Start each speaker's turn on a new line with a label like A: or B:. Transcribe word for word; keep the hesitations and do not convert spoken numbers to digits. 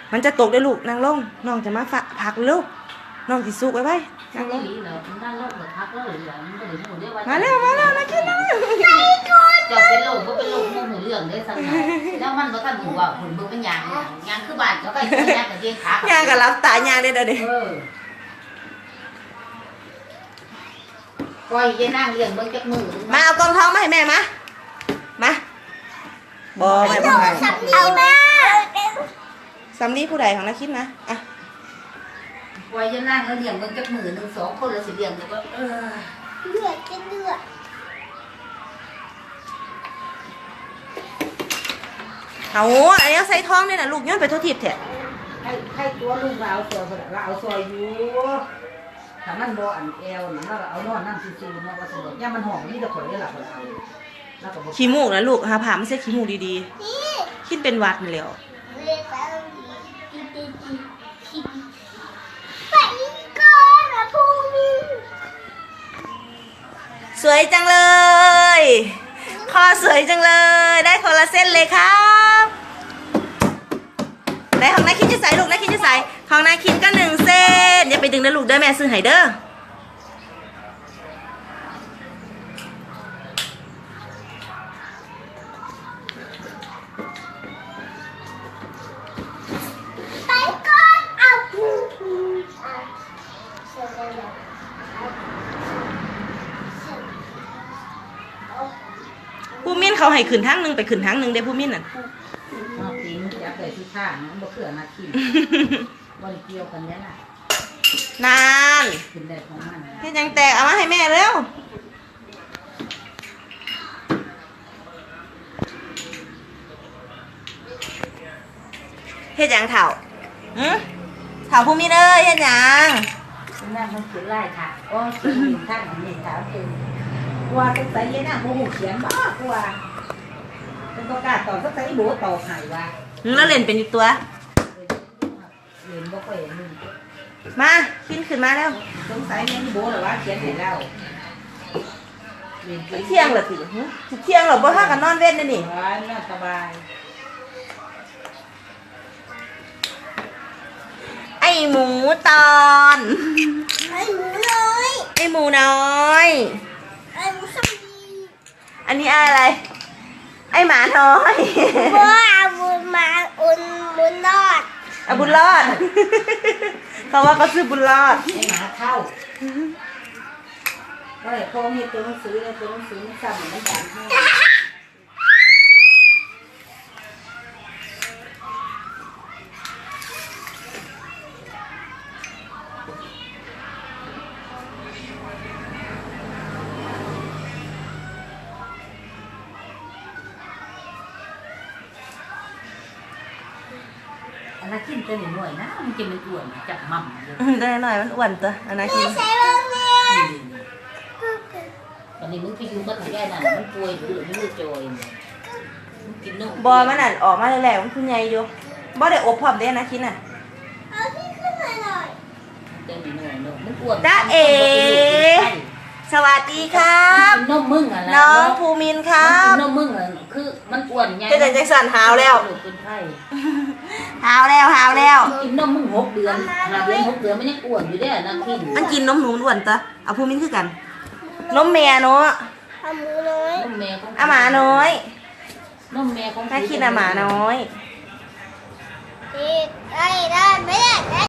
A: มันจะตกได้ลูกนางลงน้องจะมาฝะผักลูกน้องสิสุกไว้ไว้นางลงมาแล้วมาแล้วนะคิดนะ
B: จะเป็นโรคก็เป็นโรคมูหูเรื่องได้สักหน่อยแล้วมันก็ท่านหูว่าหุ่นมึงเป็นยางยางคือบ้านแล้วก็ยางกับเลี้ยงขาย
A: างกับรับตายางได้เด้อเด้
B: ปล่อยยายนั่งเลี้ยงเบิ่งจักมือ
A: มาเอากองทองมาให้แม่มามาบอไม่บอไม่
C: เอาแม่
A: สำลีผู้ใดของนักคิดนะอ่ะ
B: ปล่อยยายนั่งแล้วเลี้ยงเบิ่งจักมือหนึ่งสองคนแล้วสิเลี้ยงแล้วก็เออ
C: เลือดจะเลือด
A: เอาอันนี้ใส่ท้องนี่นะลูกย้อนไปทั่วทิพย์แท้
B: ให้ให้ตัวลูกเราเอาซอยเราเอาซอยอยู่ถ้ามันบ่อันแอวนะเราเอานอนนั่งซื่อๆเนาะว่าสนุกย่ามันหอมนี่จะข่อยได้หลับเราแล้วก็
A: ขี้มูกนะลูกหาผ่าไม่ใช่ขี้มูกดีๆคิดเป็นวัดนี่แล้ว
C: ไปก่อนนะพรุ่งนี้
A: สวยจังเลยคอสวยจังเลยได้คนละเส้นเลยครับไหนของนายคิดจะใส่ลูกนายคิดจะใส่ของนายคิดก็หนึ่งเส้นอย่าไปดึงนะลูกเด้อแม่ซื้อให้เด้อ
C: ไปก่อนเอา
A: ผู้มิ้นเขาให้ขึ้นทั้งหนึ่งไปขึ้นทั้งหนึ่งได้ผู้มิ้นน่ะ
B: นอกจริงอยากเลยทุกท่านะบ่เขื่อนาทีบริเกี่ยวกันเนี้ยน่ะ
A: นาน
B: ขึ้นได้ของมัน
A: เฮ็ดยังแตกเอามาให้แม่เร็วเฮ็ดยังเถ่าหืมเถ่าผู้มิ้นเอ้ยเฮ็ดยัง
B: นั่นมันขึ้นไล่ค่ะโอ้ขึ้นท่านนี่ถามเองว่าเป็นไสยัยน่ะโมโหเขียนบ้ากว่าเป็นประกาศต่อสักไสโบต่อไห้ว่า
A: แล้วเล่นเป็นอีกตัว
B: เล่นบ่ค่อยมึง
A: มาขึ้นขึ้นมาแล้ว
B: สงสัยแม่นโบหรือว่าเขียนให้เรา
A: เที่ยงเหรอสิเที่ยงเหรอบ่ถ้ากันนอนเว้นนี่นี่
B: น่าสบาย
A: ไอหมูตอน
C: ไอหมูน้อย
A: ไอหมูน้อย
C: ไอหมูสัมี
A: อันนี้อะไรไอหมาน้อย
C: ว่าบุญมาอุ่นบุญรอด
A: อ่ะบุญรอดเขาว่าเขาซื้อบุญรอด
B: ไอหมาเข้าก็เลยพ่อมีตัวหนังสือแล้วตัวหนังสือมันซ้ำมันจำให้อันนั้นกินตัวหน่อยนะมันจะมันอ้วนจับมั่ม
A: ได้หน่อยมันอ้วนตัวอันนั้นกิน
C: ใช่บ้างเนี่ย
B: ตอนนี้มึงไปอยู่ก็ถึงได้น่ะมันป่วยหรือมันมือจอยมันกินนม
A: บอมันนั่นออกมาแล้วมันคุณใหญ่อยู่บอได้อบพร้อมได้นะคิดน่ะ
C: เอาที่ขึ้นมาหน่อย
B: เต็มหน่อยเนาะมันอ้วน
A: จ้าเอสวัสดีครับ
B: นมมึงอ่ะ
A: น้องภูมินครับ
B: นมมึงอ่ะคือมันอ้วนไง
A: จะได้จังสันหาวแล้ว
B: เป็นไข้
A: หาวแล้วหาวแล้ว
B: กินนมมึงหกเดือนหาเดือนหกเดือนมันยังอ้วนอยู่ได้นะกิน
A: มันกินนมหนูอ้วนจ้ะเอาภูมินคือกันนมแม่เนาะ
C: เอาหมูน้อย
B: นมแม่ของ
A: อาหมาน้อย
B: นมแม่ของ
A: ถ้ากินอาหมาน้อย